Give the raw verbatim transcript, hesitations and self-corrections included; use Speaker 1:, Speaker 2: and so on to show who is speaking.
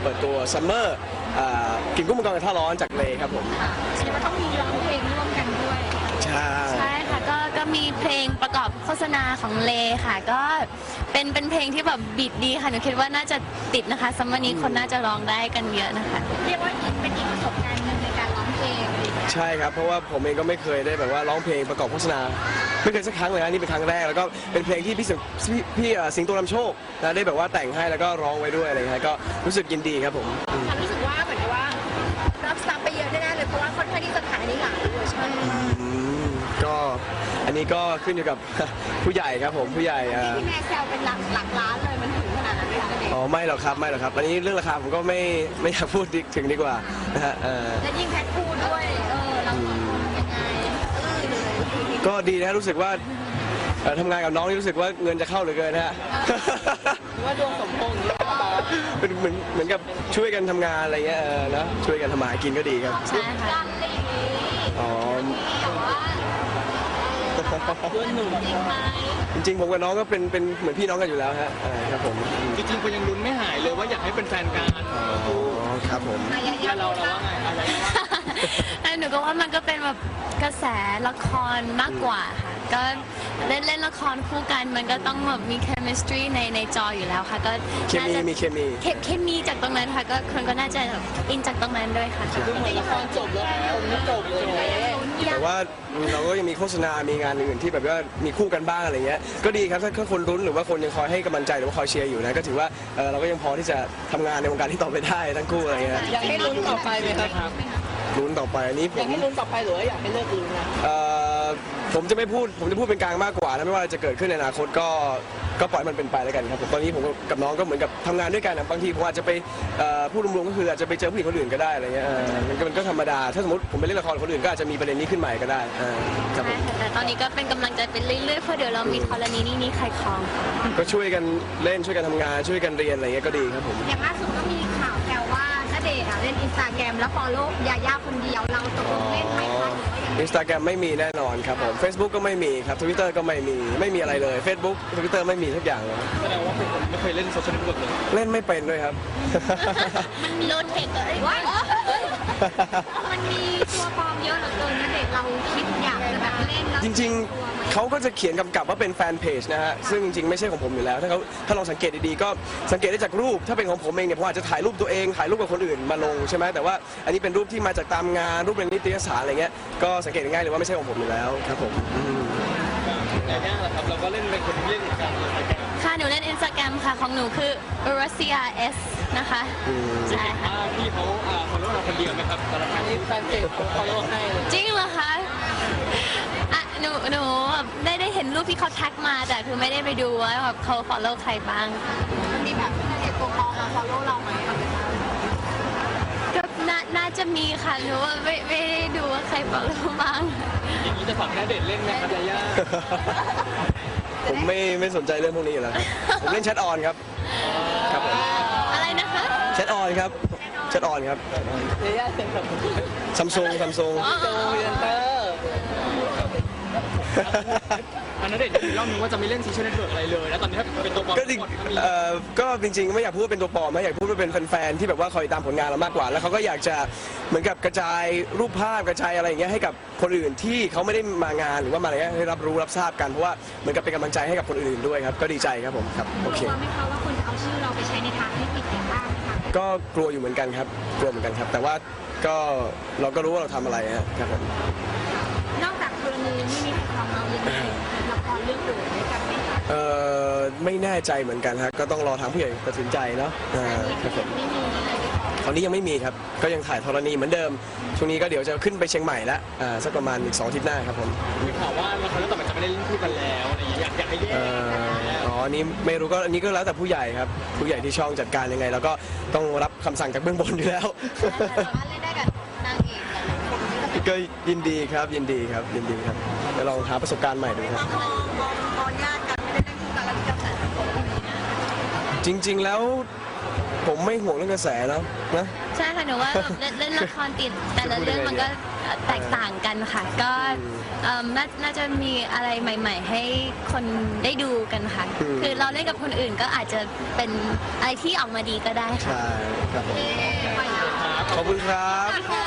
Speaker 1: ปิดตัวซัมเมอร์กินกุ้งมังกรกระทะร้อนจากเลครับผม
Speaker 2: แสดงว่าต้องมีร้องเพลงร่วมกันด้วย
Speaker 1: ใช่
Speaker 3: ใช่ค่ะก็ก็มีเพลงประกอบโฆษณาของเลค่ะก็เป็นเป็นเพลงที่แบบบีทดีค่ะหนูคิดว่าน่าจะติดนะคะซัมเมอร์นี้คนน่าจะร้องได้กันเยอะนะคะ
Speaker 2: เรียกว่าเป็นอีกประสบการณ์หนึ่งในการร้องเพลง
Speaker 1: ใช่ครับเพราะว่าผมเองก็ไม่เคยได้แบบว่าร้องเพลงประกอบโฆษณาไม่เคยสักครั้งเลยนะนี่เป็นครั้งแรกแล้วก็เป็นเพลงที่พี่พี่พี่สิงโตนำโชคนะได้แบบว่าแต่งให้แล้วก็ร้องไว้ด้วยอะไรเงี้ยก็รู้สึกยินดีครับผม
Speaker 2: รู้สึกว่าเหมือนว่ารับซับไปเยอะแน่ๆเลยเพราะว่าค่อนข้างที่จะขายในหลายเวอร์ชัน
Speaker 1: ก็อันนี้ก็ขึ้นอยู่กับผู้ใหญ่ครับผมผู้ใหญ่
Speaker 2: ที่แม่แซวเป็นหลักหลักล้านเลยมันถึงขนาดนั้นไหมคะ
Speaker 1: อ๋อไม่หรอกครับไม่หรอกครับอันนี้เรื่องราคาผมก็ไม่ไม่อยากพูดถึงดีกว่านะฮะ
Speaker 2: และยิ่งแพทพูดด้วยเออเรายังไง
Speaker 1: ก็ดีนะรู้สึกว่าทำงานกับน้องนี่รู้สึกว่าเงินจะเข้าเหลือเกินฮะ
Speaker 2: ว่าดวงสมพงษ์
Speaker 1: เป็นเหมือนเหมือนกับช่วยกันทำงานอะไรเงี้ยนะช่วยกันทำมาหากินก็ดีครับ
Speaker 3: ใช่ค่ะ
Speaker 1: อ๋อจริงๆผมกับน้องก็เป็นเป็นเหมือนพี่น้องกันอยู่แล้วฮะครับผม
Speaker 4: จริงๆก็ยังลุ้นไม่หายเลยว่าอยากให้เป็นแฟนกัน
Speaker 1: อ๋อครับผม
Speaker 4: แล้วเราเราว่าไงอะไร
Speaker 3: ว่าหนูก็ว่ามันก็เป็นแบบกระแสละครมากกว่าค่ะก็เล่นเล่นละครคู่กันมันก็ต้องแบบมี chemistry ในในจออยู่แล้วค่ะก็
Speaker 1: เคมีมีเคมี
Speaker 3: เคมีจากตรงนั้นค่ะก็คนก็น่าจะแบบอินจากตรงนั้นด้วยค่ะ
Speaker 4: คือเหมือนละครจบแล้วไม่จบเลย
Speaker 1: แต่ว่าเราก็ยังมีโฆษณา มีงานอื่นที่แบบว่ามีคู่กันบ้างอะไรเงี้ยก็ดีครับถ้าคนรุ้นหรือว่าคนยังคอยให้กำลังใจหรือว่าคอยเชียร์อยู่นะก็ถือว่าเราก็ยังพอที่จะทำงานในวงการที่ต่อไปได้ทั้งคู่อะไรเงี้ย
Speaker 4: อยากให้ลุ้นต่อไปไหมครับ
Speaker 1: ลุ้นต่อไปอันนี้ผม
Speaker 4: อยากให้ลุ้นต่อไปหรือว่าอยากให้เลิกลุ้นนะ
Speaker 1: ผมจะไม่พูดผมจะพูดเป็นกลางมากกว่านะไม่ว่าจะเกิดขึ้นในอนาคตก็ก็ปล่อยมันเป็นไปแล้วกันครับผมตอนนี้ผมกับน้องก็เหมือนกับทำงานด้วยกันนะบางทีผมอาจจะไปพูดรวมๆก็คืออาจจะไปเจอผู้หญิงคนอื่นก็ได้อะไรเงี้ยมันก็มันก็ธรรมดาถ้าสมมติผมไปเล่นละครคนอื่นก็อาจจะมีประเด็นนี้ขึ้นใหม่ก็ได้
Speaker 3: ครับผมแต่ตอนนี้ก็เป็นกำลังใจเป็นเรื่อยๆเพราะเดี๋ยวเรามีกรณีนี้นี่ใครคลอง
Speaker 1: ก็ช่วยกันเล่นช่วยกันทำงานช่วยกันเรียนอะไรเงี้ยก็ดีครับผม
Speaker 2: อย่างล่าสุดก็มีข่าวแซวว่าณเดชน์เล่นอินสตาแกรมแล้วฟอลโล่ยาย่าคนเดียวเราตกลงเล่นไหมคะ
Speaker 1: อินสตาแกรมไม่มีแน่นอนครับผม Facebook ก็ไม่มีครับ Twitter ก็ไม่มีไม่มีอะไรเลย Facebook Twitter ไม่มีทุกอย่างเลย
Speaker 4: แสดงว่าเป็นคนไม่เคยเล่นโซเชียลเน็ตเวิร์กเลย
Speaker 1: เล่นไม่เป็นด้วยครับ
Speaker 2: มันมีโลเทคอะไรวะมันมีตัวปลอมเยอะเหลือเกินนะเด็กเราคิดอยากจะแบบเล่นแล้ว
Speaker 1: จริงๆเขาก็จะเขียนกำกับว่าเป็นแฟนเพจนะฮะซึ่งจริงๆไม่ใช่ของผมอยู่แล้วถ้าเขาถ้าลองสังเกตดีๆก็สังเกตได้จากรูปถ้าเป็นของผมเองเนี่ยผมอาจจะถ่ายรูปตัวเองถ่ายรูปกับคนอื่นมาลงใช่ไหมแต่ว่าอันนี้เป็นรูปที่มาจากตามงานรูปในนิตยสารอะไรเงี้ยก็สังเกตง่ายเลยว่าไม่ใช่ของผมอยู่แล้วครับผม
Speaker 4: แต่ย่างแหละครับเราก็เล่นเป็นคนที่เล่นกัน
Speaker 3: ค่ะหนูเล่น Instagram ค่ะของหนูคือ Russia S นะคะ
Speaker 4: ใช่ค่ะพี่เขาฟอลโล่เราคนเดียวไหมครับแต่ละครั้งที่แฟนเพจเขาฟอลโล่ให้
Speaker 3: จริงเหรอคะอ่ะหนูหนูได้ได้เห็นรูปที่เขาแท็กมาแต่คือไม่ได้ไปดูว่าแบบเขาฟอลโล่ใครบ้าง
Speaker 2: มันมีแบบเด็กตัวปลอมมาฟอลโล่เราไหม
Speaker 3: ก็น่าจะมีค่ะหนูว่าไม่ไม่ได้ดูว่าใครฟอลโล่บ้าง
Speaker 4: อย่างนี้จะฝากแค่เด็ดเล่นไหมครับยาย่า
Speaker 1: ผมไม่ไม่สนใจเรื่องพวกนี้อยู่แล้วครับผมเล่นแชทออนครับครับผม
Speaker 3: อะไรนะคะ
Speaker 1: แชทออนครับแชทออนครับ
Speaker 4: ยาย่าเป็นแบบ
Speaker 1: ซัมซุงซัมซุง
Speaker 4: โจยันเตอร์อันนั้นเด็กมีเล่านึงว่าจะไม่เล่นโซเชียลเน็ตเวิร์กอะไรเลยแล้วตอนนี้ถ้าเป็นตัวปลอม
Speaker 1: ก็เอ่อก็จริงๆไม่อยากพูดว่าเป็นตัวปลอมนะอยากพูดว่าเป็นแฟนๆที่แบบว่าคอยตามผลงานเรามากกว่าแล้วเขาก็อยากจะเหมือนกับกระจายรูปภาพกระจายอะไรอย่างเงี้ยให้กับคนอื่นที่เขาไม่ได้มางานหรือว่ามาอะไรเงี้ยให้รับรู้รับทราบกันเพราะว่าเหมือนกับเป็นกำลังใจให้กับคนอื่นด้วยครับก็ดีใจครับผมครับโอเค
Speaker 2: กลัวไหมคะว่าคนจะเอาชื่อเราไปใช้ในทางที่ผิดอย่างบ้างไหมคะ
Speaker 1: ก็กลัวอยู่เหมือนกันครับกลัวเหมือนกันครับแต่ว่าก็เราก็รู้ว่าเราทำอะไรครับผม
Speaker 2: นอกจากกรณีนี้มีของเรายังมีละครเรื่องอื่นด้วยกันไหมคะ
Speaker 1: เอ่อไม่แน่ใจเหมือนกันครับก็ต้องรอทางผู้ใหญ่ตัดสินใจเนาะครับผมตอนนี้ยังไม่มีครับก็ยังถ่ายธรณีเหมือนเดิมช่วงนี้ก็เดี๋ยวจะขึ้นไปเชียงใหม่แล้วสักประมาณอีกสองอาทิตย์หน้าครับผม
Speaker 4: มีข่าวว่าละครเรื่องต่อไปจะไม่ได้เล่นคู่กันแล้วอะไรอย่างเงี้ยอยากอยากให้แยก
Speaker 1: อ๋ออันนี้ไม่รู้ก็อันนี้ก็แล้วแต่ผู้ใหญ่ครับผู้ใหญ่ที่ช่องจัดการยังไงแล้วก็ต้องรับคำสั่งจากเบื้องบนอยู่แล้ว
Speaker 2: เล่นได้กับนางเอก
Speaker 1: ก็ยินดีครับยินดีครับยินดีครับจะลองหาประสบการณ์ใหม่ดูครับ
Speaker 2: ตอนญาติกันไม่ได้เล่นคู่กันแล้วมีกระแสสังคม
Speaker 1: จริงๆแล้วผมไม่ห่วงเรื่องกระแสแล้วนะ
Speaker 3: ใช่ค่ะหนูว่าเล่นเล่นละครติดแต่ละเรื่องมันก็แตกต่างกันค่ะ ก็เอิ่มนาน่าจะมีอะไรใหม่ ๆ ให้คนได้ดูกันค่ะ คือเราเล่นกับคนอื่นก็อาจจะเป็นอะไรที่ออกมาดีก็ได้ค่ะ
Speaker 1: ใช่ครับผม
Speaker 2: ไปแล้ว
Speaker 1: ขอบคุณครับ
Speaker 2: ขอบ